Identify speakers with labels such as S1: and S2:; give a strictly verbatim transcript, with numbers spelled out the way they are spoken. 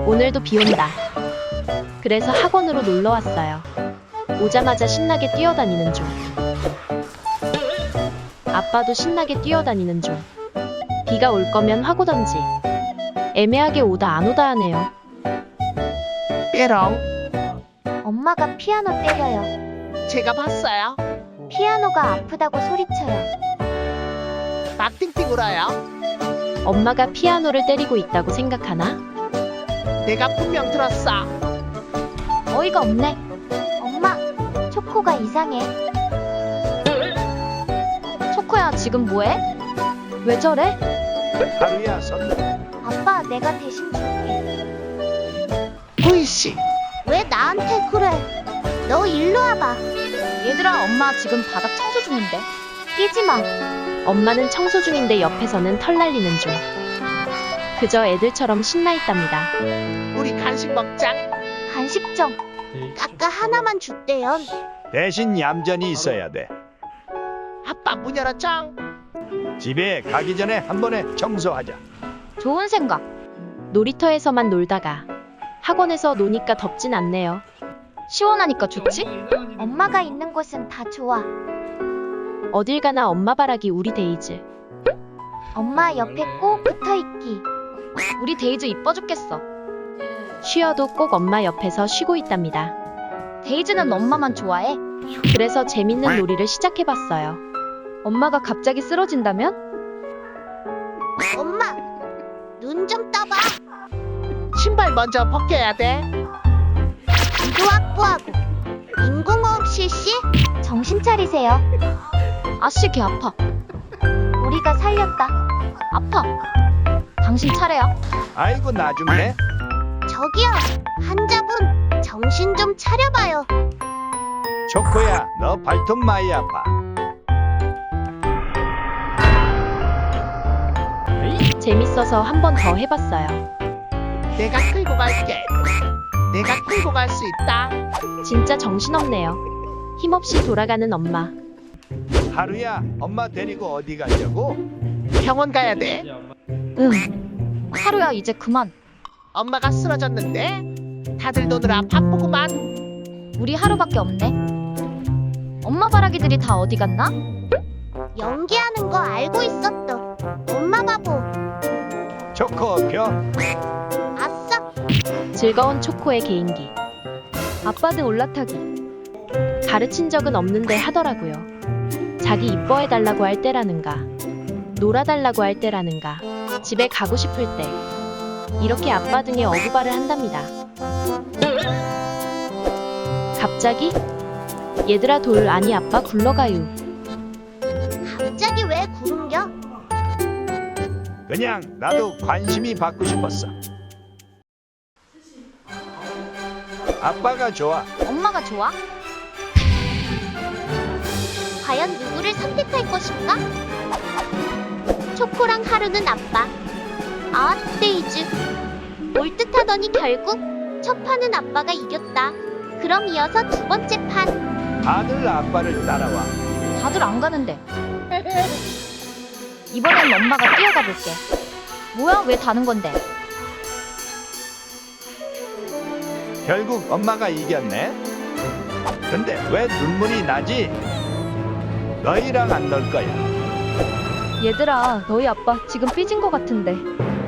S1: 오늘도 비 온다. 그래서 학원으로 놀러 왔어요. 오자마자 신나게 뛰어다니는 중. 아빠도 신나게 뛰어다니는 중. 비가 올 거면 확 오던지. 애매하게 오다 안 오다 하네요.
S2: 뾰롱.
S3: 엄마가 피아노 때려요.
S2: 제가 봤어요.
S3: 피아노가 아프다고 소리쳐요.
S2: 막 띵띵 울어요.
S1: 엄마가 피아노를 때리고 있다고 생각하나?
S2: 내가 분명 들었어.
S3: 어이가 없네. 엄마, 초코가 이상해.
S1: 초코야, 지금 뭐해? 왜 저래?
S4: 하루야 선물.
S3: 아빠, 내가 대신 줄게.
S2: 구이씨.
S3: 왜 나한테 그래? 너 일로 와봐.
S1: 얘들아, 엄마 지금 바닥 청소 중인데.
S3: 뛰지 마.
S1: 엄마는 청소 중인데 옆에서는 털 날리는 중. 그저 애들처럼 신나 있답니다.
S2: 우리 간식 먹자.
S3: 간식 좀. 아까 하나만 줬대요.
S4: 대신 얌전히 있어야 돼.
S2: 아빠 문 열었죠?
S4: 집에 가기 전에 한 번에 청소하자.
S1: 좋은 생각. 놀이터에서만 놀다가 학원에서 노니까 덥진 않네요. 시원하니까 좋지?
S3: 엄마가 있는 곳은 다 좋아.
S1: 어딜 가나 엄마 바라기 우리 데이즈.
S3: 엄마 옆에 꼭 붙어 있기.
S1: 우리 데이즈 이뻐 죽겠어. 쉬어도 꼭 엄마 옆에서 쉬고 있답니다. 데이즈는 엄마만 좋아해. 그래서 재밌는 놀이를 시작해봤어요. 엄마가 갑자기 쓰러진다면?
S3: 엄마, 눈 좀 떠봐.
S2: 신발 먼저 벗겨야 돼.
S3: 기도 확보하고. 인공호흡 실시? 정신 차리세요.
S1: 아씨, 개 아파.
S3: 우리가 살렸다.
S1: 아파. 당신 차례야.
S4: 아이고 나중에.
S3: 저기요, 환자분, 정신 좀 차려봐요.
S4: 초코야 너 발톱 많이 아파.
S1: 재밌어서 한 번 더 해봤어요.
S2: 내가 끌고 갈게. 내가 끌고 갈 수 있다.
S1: 진짜 정신없네요. 힘없이 돌아가는 엄마.
S4: 하루야 엄마 데리고 어디 가려고?
S2: 병원 가야 돼.
S1: 응. 하루야, 이제 그만.
S2: 엄마가 쓰러졌는데 다들 노느라 바쁘구만.
S1: 우리 하루밖에 없네. 엄마 바라기들이 다 어디 갔나?
S3: 연기하는 거 알고 있었어. 엄마 바보.
S4: 초코 표.
S3: 아싸.
S1: 즐거운 초코의 개인기. 아빠 등 올라타기. 가르친 적은 없는데 하더라고요. 자기 이뻐해달라고 할 때라는가, 놀아달라고 할 때라는가, 집에 가고 싶을 때 이렇게 아빠 등에 어부발을 한답니다. 갑자기? 얘들아 돌 아니 아빠 굴러가유.
S3: 갑자기 왜 구른겨?
S4: 그냥 나도 관심이 받고 싶었어. 아빠가 좋아.
S1: 엄마가 좋아?
S3: 과연 누구를 선택할 것인가? 초코랑 하루는 아빠. 아, 데이즈. 올 듯하더니 결국 첫 판은 아빠가 이겼다. 그럼 이어서 두 번째 판.
S4: 다들 아빠를 따라와.
S1: 다들 안 가는데. 이번엔 엄마가 뛰어가 볼게. 뭐야, 왜 다는 건데?
S4: 결국 엄마가 이겼네. 근데 왜 눈물이 나지? 너희랑 안 놀 거야.
S1: 얘들아, 너희 아빠 지금 삐진 거 같은데.